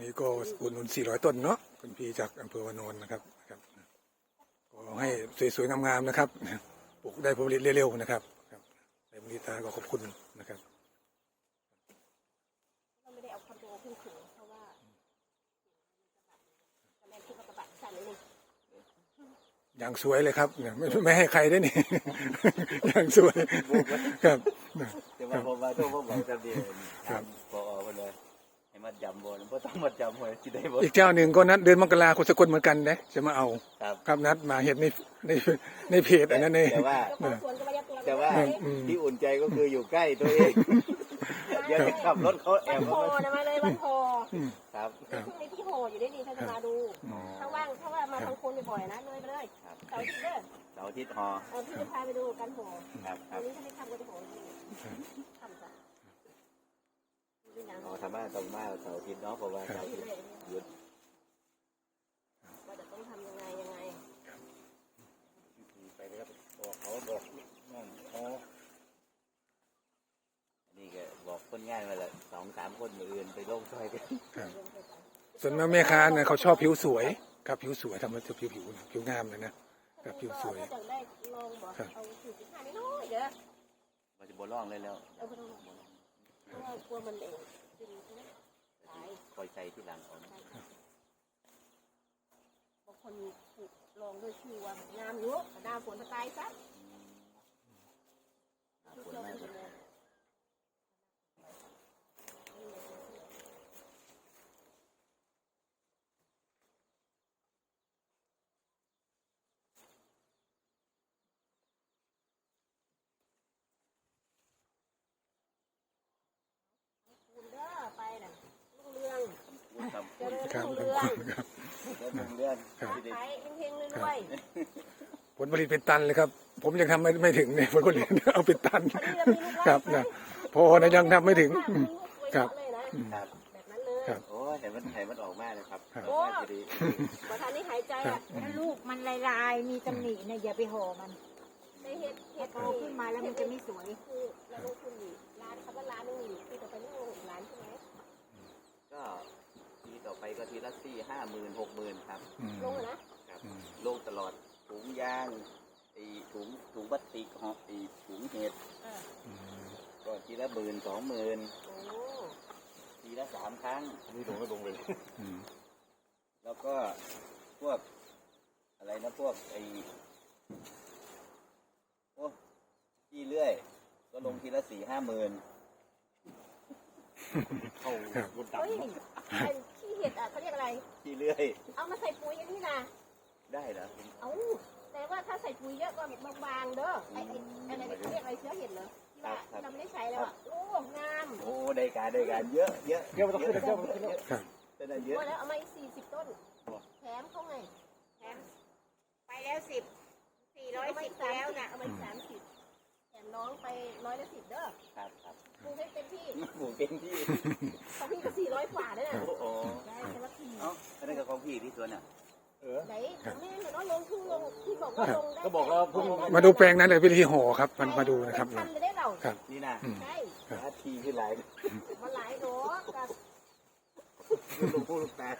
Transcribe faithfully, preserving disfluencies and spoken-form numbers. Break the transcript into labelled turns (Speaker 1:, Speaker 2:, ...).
Speaker 1: นี้ก็อุดหนุนสี่ร้อยต้นเนาะคุณพี่จากอำเภอวานอนนะครับครับก็ให้สวยๆงามๆนะครับปลูกได้ผลผลิตเร็วๆนะครับครับในมูลนิธิก็ขอบคุณนะครับ
Speaker 2: ไม่ได้เอาคอนโดขึ้นถึงเพราะว่าแม่คิดว่ากระบะสั่นเลยนี่
Speaker 1: อย่างสวยเลยครับไม่ไม่ให้ใครได้นี่อย่างสวยครับ
Speaker 3: แต่ว่าผมว่าต้องผมบอกจำเดียวครับพอคนเลยให้มัดจำบนเพราะต้องมัดจำหวยที่ได้บน
Speaker 1: อีกเจ้าหนึ่งก็นัดเดือนมกราคมสกลเหมือนกันนะจะมาเอาครับนัดมาเห็นในในในเพจอันนั้นเอง
Speaker 3: แต่ว่าแต่ว่าที่อุ่นใจก็คืออยู่ใกล้ตัวเองอย่าไปขับรถเขาแอบ
Speaker 2: วันพอนะมาเลยวันพอ
Speaker 3: ครับ
Speaker 2: ช่วงนี้ที่โหอยู่ได้ดีถ้าจะมาดูถ้าว่างถ้าว่ามาทางคนบ่อยๆนะเลยไปเลยเสาร์อาทิตย์เด้อ
Speaker 3: เสาร์อาทิตย์หอ
Speaker 2: เออพี่จะพาไปดูกันโห
Speaker 3: ครับครับ
Speaker 2: วันนี้ถ้าไม่ทำก็จะโหทำจ้ะ
Speaker 3: อ๋อทำมาทำมาเสาร์อาทิตย์เนาะเพราะว่าเสาร์อาทิตย์หยุด
Speaker 2: ว่าจะต้องทำยังไงยังไง
Speaker 3: ไปเลยครับบอกเขาบอกน้องอ๋อนี่ก็บอกคนง่ายมาเลยสองสามคนมืออื่นไปลงซอยกัน
Speaker 1: ส่วนแม่ค้าเนี่ยเขาชอบผิวสวยครับผิวสวยทำมาจะผิวผิวผิวงามเลยนะกับผิวสวย
Speaker 2: จะได้ลองบอกเอาผิวสีขาวนิดหน่อยเด้อ
Speaker 3: มันจะบนร่องเลยแล้ว
Speaker 2: เอาไปลองเพราะว่ากลัวมันเอง
Speaker 3: คอยใจที่หลังของ
Speaker 2: บางคนถูกลองด้วยชื่อว่างามเยอะดาวฝนตายซะ
Speaker 3: ฝนไม่หมด
Speaker 2: ไปน่ะรุ่งเรืองเจริญ
Speaker 1: ครับ
Speaker 2: รุ่งเรือง
Speaker 1: ครับ
Speaker 3: เรื่องเรื่อง
Speaker 2: ขายเฮงๆรวย
Speaker 1: ผลผลิตเป็นตันเลยครับผมยังทำไม่ไม่ถึงเนี่ยผลผลิตเอาเป็นตันครับนะพอนะยังทำไม่ถึงครับ
Speaker 3: ครับ
Speaker 2: แบบนั้นเลย
Speaker 3: โอ้เห็นมันเห็นมันออกมาเลยครับ
Speaker 2: โอ้ประธานนี่หายใจอ่ะ
Speaker 4: ถ้าลูกมันลายๆมีตำหนิเนี่ยอย่าไปห่อมัน
Speaker 2: ในเห็ดเห็ด
Speaker 4: โตขึ้นมาแล้วมันจะไม่สวย
Speaker 2: คือเราลงทุนดีร้านเขาว่าร้านนึงดีคือต่อไปนี่ลงหกล้านใช่ไหม
Speaker 3: ก็ทีต่อไปก็ทีละสี่ห้าหมื่นหกหมื่นครับ
Speaker 2: ลงนะครับ
Speaker 3: ลงตลอดถุงยางไอถุงถุงพลาสติกห่อไอถุงเห็ดก็ทีละหมื่นสองหมื่นทีละสามครั้งนี่ลงก็ลงเลยแล้วก็พวกอะไรนะพวกไอโอ้ที่เลื่อยก็ลงทีละสี่ห้าหมื่นเข้าบนตับ
Speaker 2: ขี้เห็ดอ่ะเขาเรียกอะไร
Speaker 3: ขี้เลื่อย
Speaker 2: เอามาใส่ปุ๋ยอย่างนี้นะ
Speaker 3: ได้เหรอ
Speaker 2: เอาแต่ว่าถ้าใส่ปุ๋ยเยอะก็บางๆเด้อไอ้ไอ้อะไรเขาเรียกอะไรเชื้อเห็ดเหรอที่ว่าเราไม่ได้ใช้แล้วอ่ะโอ้งาม
Speaker 3: โอ้ได้การได้การเยอะเยอะ
Speaker 1: เยอะต้องขึ้นเยอะขึ้นเยอะ
Speaker 3: จะได้เยอะ
Speaker 2: แล้วเอามาอีกสี่สิบต้นแถมเขาไง
Speaker 4: แถมไปแล้วสิบสี่ร้อยสิบแล้วนะ
Speaker 2: เอามาสามสิบแถมน้องไปร้อยละสิบเด้อ
Speaker 3: ครับครับ
Speaker 2: ปลูกให้เต็มที่
Speaker 3: ปลูกเต็มที่
Speaker 2: ของพี่ก็สี่ร้อยกว่าเนี่ย
Speaker 3: โอ้
Speaker 2: ได้แต่ว่าพี่
Speaker 3: เอ้าอันนี้ก็ของพี่ที่สวนอ่ะ
Speaker 2: เออไหนแม่เนาะลงทุ่งลงที่บอกว่าลงได้
Speaker 3: ก็บอกว่า
Speaker 1: มาดูแปลงนั้นเลยวิธีห่อครับมันมาดูนะครับ
Speaker 2: ครับ
Speaker 3: นี่นะ
Speaker 2: ใช่
Speaker 3: ทีขึ้นหลาย
Speaker 2: มาหลายดอกกับ
Speaker 3: ลูกผู้ลูกแปด